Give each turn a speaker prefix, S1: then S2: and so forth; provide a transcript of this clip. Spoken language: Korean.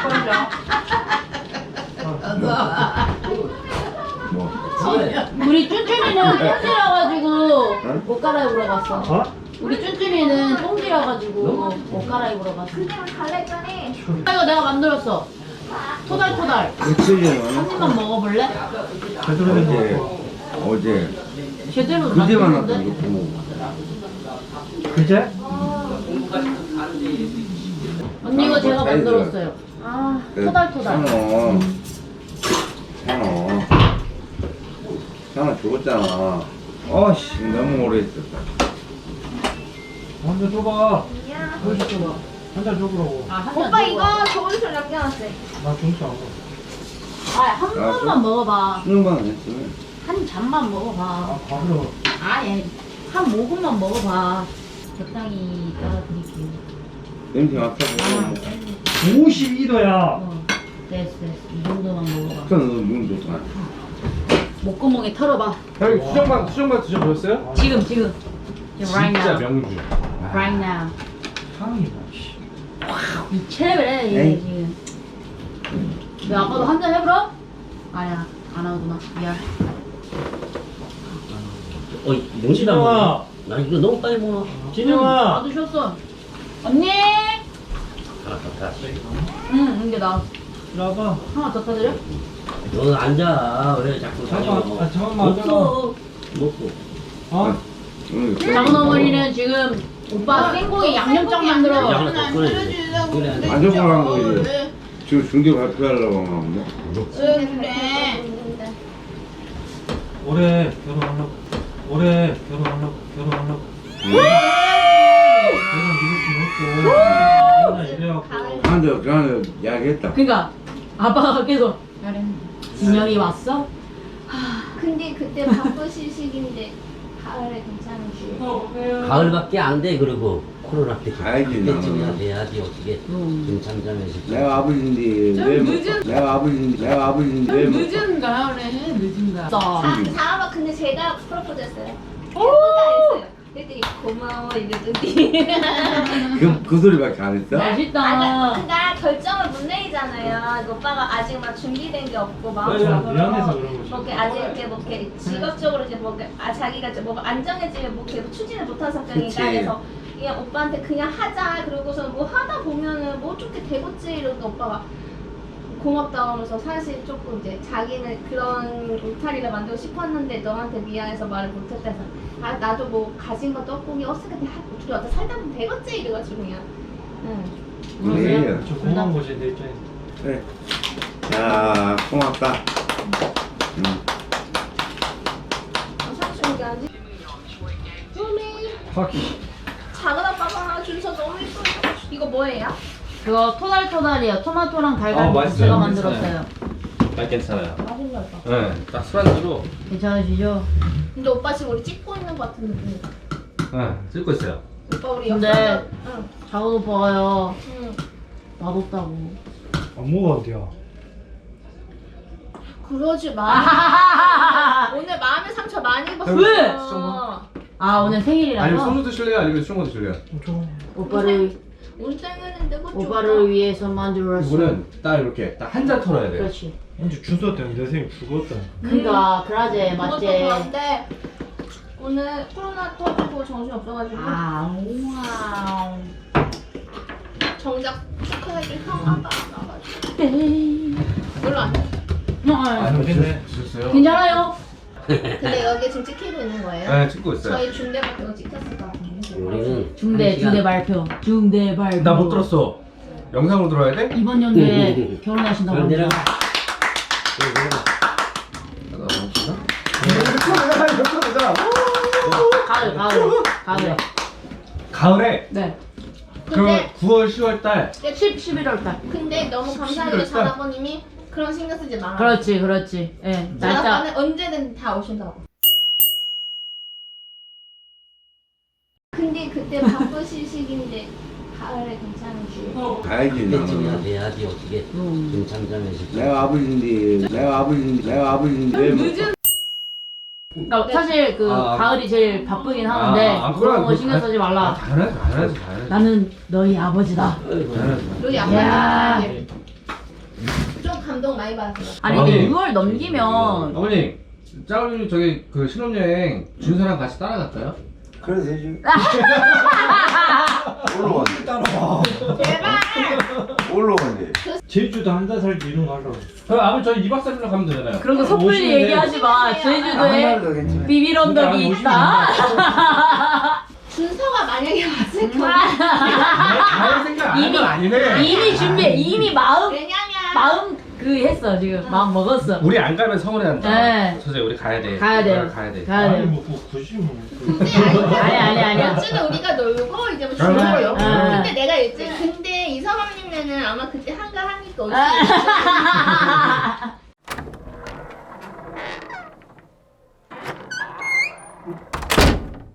S1: 뭐?
S2: 우리 쭈쭈미는 똥질해가지고 옷 갈아입으러 갔어.
S3: 어?
S2: 우리 쭈쭈미는 똥질해가지고 옷 갈아입으러 갔어.
S4: 그냥 갈랬더니
S2: 이거 내가 만들었어. 토달토달.
S1: 며칠이야?
S2: 한 입만 먹어볼래?
S3: 제대로 된
S1: 어제
S3: 거.
S1: 어제
S2: 제대로
S1: 그제 만났다
S2: 만들었는데?
S1: 이거.
S3: 그제?
S2: 언니 이거 제가
S1: 사이즈.
S2: 만들었어요. 아 토달토달.
S1: 상어 죽었잖아. 어씨 너무 오래 있었다.
S3: 한잔 줘봐.
S4: 야.
S3: 한잔 줘보라고.
S2: 아,
S4: 오빠 이거 저기서 남겨놨어요.
S3: 나 중식 안 먹어.
S2: 아한 번만 먹어봐.
S1: 수능만 안 했으면.
S2: 한 잔만 먹어봐.
S3: 아, 밥으로.
S2: 아예 한 모금만 먹어봐. 적당히 따라드릴게요.
S1: 냄새 맡아보고.
S3: 52도야.
S2: 됐어. 이 정도만 먹어봐.
S1: 그럼 너 눈 좋잖아.
S2: 목구멍에 털어봐.
S5: 형님 수정만 드셔보셨어요?
S2: 지금. Right
S5: 진짜
S2: now.
S5: 명주.
S2: Right now.
S3: 향이 뭐, 씨.
S2: 미쳐버려 얘
S1: 에이.
S2: 지금. 왜 아빠도 한 잔 해보라? 아니야 안 하구나. 미안.
S6: 어이 명시다
S3: 진영아.
S6: 뭐. 나 이거 너무 빨리 먹어.
S3: 진영아.
S2: 나도 쉬었어. 언니.
S6: 하나 더 타.
S2: 응 이게 나
S3: 이리 와봐.
S2: 하나 더 타드려?
S6: 너는 앉아. 왜 자꾸
S3: 잠깐만,
S6: 다녀.
S3: 아, 잠깐만
S6: 없어. 먹고.
S3: 어?
S1: 오늘
S2: 작은 어머니는 지금 오빠 생고기 양념장 만들어.
S6: 양을 더 꺼내. 그래.
S1: 만져보라는 거지. 지금 중계 발표하려고 하는데.
S2: 그래.
S3: 올해 결혼하려고. 올해 결혼하려고. 내가 믿을 수 없고. 맨날 이래갖고.
S1: 한대 그냥 이야기했다.
S2: 그러니까 아빠가 계속 진영이 왔어?
S4: 근데 그때 바쁘실 시기인데 가을에 괜찮으시.
S6: 가을밖에 안 돼. 그리고 코로나 때.
S1: 가야지,
S6: 그때쯤이야
S1: 나는.
S6: 돼야지 어떻게. 김참자면서.
S1: 내가 아버지인데 왜 못- 내가 아버지인데 왜 못-
S2: 늦은 가을에 늦은 가을.
S4: 다음은 근데 제가 프로포즈했어요. 해보다 했어요. 그랬더니 고마워 이러더니.
S1: 그 소리밖에 안 했어?
S2: 맛있다.
S4: 그니까 결정을 못 내리잖아요. 그 오빠가 아직 막 준비된 게 없고
S3: 그래,
S4: 마음적으로
S3: 미안해서 그런 거지.
S4: 뭐 이렇게 아직 이렇게 뭐 이렇게 직업적으로 이제 뭐 이렇게 자기가 좀 뭐가 안정해지면 뭐 이렇게 추진을 못한 성격이니까
S1: 그치.
S4: 그래서 그냥 오빠한테 그냥 하자 그러고서 뭐 하다 보면은 뭐 좋게 되겠지 이러니까 오빠가 고맙다 하면서 사실 조금 이제 자기는 그런 울타리를 만들고 싶었는데 너한테 미안해서 말을 못했다 해서 아 나도 뭐 가진 것도 없고 그냥 어떻게 둘이 어떻게 살다 보면 되겠지 이래가지고 그냥 응.
S1: 그래.
S3: 저 고마운 거지 내 입장에서.
S1: 그래. 야 고맙다.
S4: 삼촌이 아니지? 소미
S3: 파키.
S4: 작은 아빠가 준서 너무 예뻐. 이거 뭐예요?
S2: 그거 토달토달이에요. 토마토랑 달걀
S5: 맛있어요.
S2: 제가 만들었어요.
S5: 나 괜찮아요.
S4: 맛있나 봐.
S5: 네, 딱 술안주로.
S2: 괜찮으시죠?
S4: 근데 오빠 지금 우리 찍고 있는 것 같은 느낌.
S5: 네, 찍고 있어요.
S4: 오빠 우리
S2: 근데-
S4: 옆에 응.
S2: 작은 오빠가요.
S4: 응.
S2: 맛없다고.
S3: 안 먹어도
S4: 그러지 마. 오늘 마음의 상처 많이 입었어.
S2: 왜?
S4: 아,
S2: 오늘 생일이라서
S5: 아니면 소주 드실래요? 아니면 수영거 드실래요?
S3: 좀.
S2: 오빠를
S4: 운땡했는데 그거
S2: 오빠를 위해서 만들었어.
S5: 이거는 딱 이렇게 딱 한 잔 털어야 돼요.
S2: 그렇지.
S3: 언제 준서 때문에 내 생일 죽었다.
S2: 그러니까 그러지
S4: 그것도
S2: 맞지.
S4: 그런데 오늘 코로나 터지고 정신 없어가지고
S2: 우와.
S4: 정작 축하해줄 형 아빠 안 와가지고
S2: 네.
S4: 별로 안 돼.
S5: 아니,
S3: 됐네.
S5: 드셨어요?
S2: 괜찮아요.
S4: 근데 여기 지금 찍히고 있는 거예요?
S5: 네, 찍고 있어요.
S4: 저희 중대밖에 찍혔을 것 같은데.
S6: 우리는
S2: 중대 발표. 중대 발표.
S5: 나 못 들었어. 영상으로 들어야 돼?
S2: 이번 연도에 결혼하신다고
S6: 그럼 내가.
S2: 합니다. 가을.
S5: 가을에
S2: 네.
S5: 그러면
S4: 근데
S5: 9월, 10월 달
S2: 11월 달.
S4: 근데 너무 감사하게도 전아버님이 그런 신경 쓰지 마.
S2: 그렇지. 예. 날짜.
S4: 전아빠는 언제든 다 오신다고. 근데 그때 바쁘실 시기인데 가을에 괜찮으시.
S1: 가야지
S6: 그때쯤이야
S1: 나는.
S6: 돼야지 어떻게. 김참자면서.
S1: 내가 아버지인데 왜 못-
S2: 그러니까 사실 그
S5: 아,
S2: 가을이 제일 바쁘긴 하는데 그런 거 신경 쓰지 말라.
S5: 당연하지.
S2: 나는 너희 아버지다.
S6: 어이구.
S4: 너희
S2: 야.
S4: 아빠는 좀 감동 많이 받았어요.
S2: 아니
S5: 어머니.
S2: 6월 넘기면
S5: 어머니 짜오님 저기 그 신혼여행 준서랑 같이 따라갈까요?
S1: 그래도 되지. 올라왔네.
S3: 따라와.
S4: 제발.
S1: 올라왔네.
S3: 제주도 한 달 살기 이런 거 하려고.
S5: 그럼 아버지 저희 2박 3일로 가면 되잖아요.
S2: 그런 거 섣불리
S3: 오시는데.
S2: 얘기하지 마.
S1: 한
S2: 제주도에
S1: 달도 괜찮아.
S2: 비밀 언덕이 있다.
S4: 준서가 만약에 왔을 거야.
S5: 갈 생각 안 한 건 아니네.
S2: 이미 준비해. 이미 마음
S4: 왜냐면
S2: 그 했어 지금 마음 먹었어.
S5: 우리 안 가면 서운해한다.
S2: 네.
S5: 서재 우리 가야 돼.
S2: 가야 돼.
S5: 가야 돼.
S2: 가야
S3: 아니
S2: 돼.
S3: 뭐 굳이 뭐.
S4: 굳이 아니야.
S2: 아니야.
S4: 며칠은 우리가 놀고 이제 뭐
S5: 아,
S4: 주말로.
S2: 아.
S4: 근데 내가 일찍 근데 이서방님네는 아마 그때 한가하니까 올 수 있어.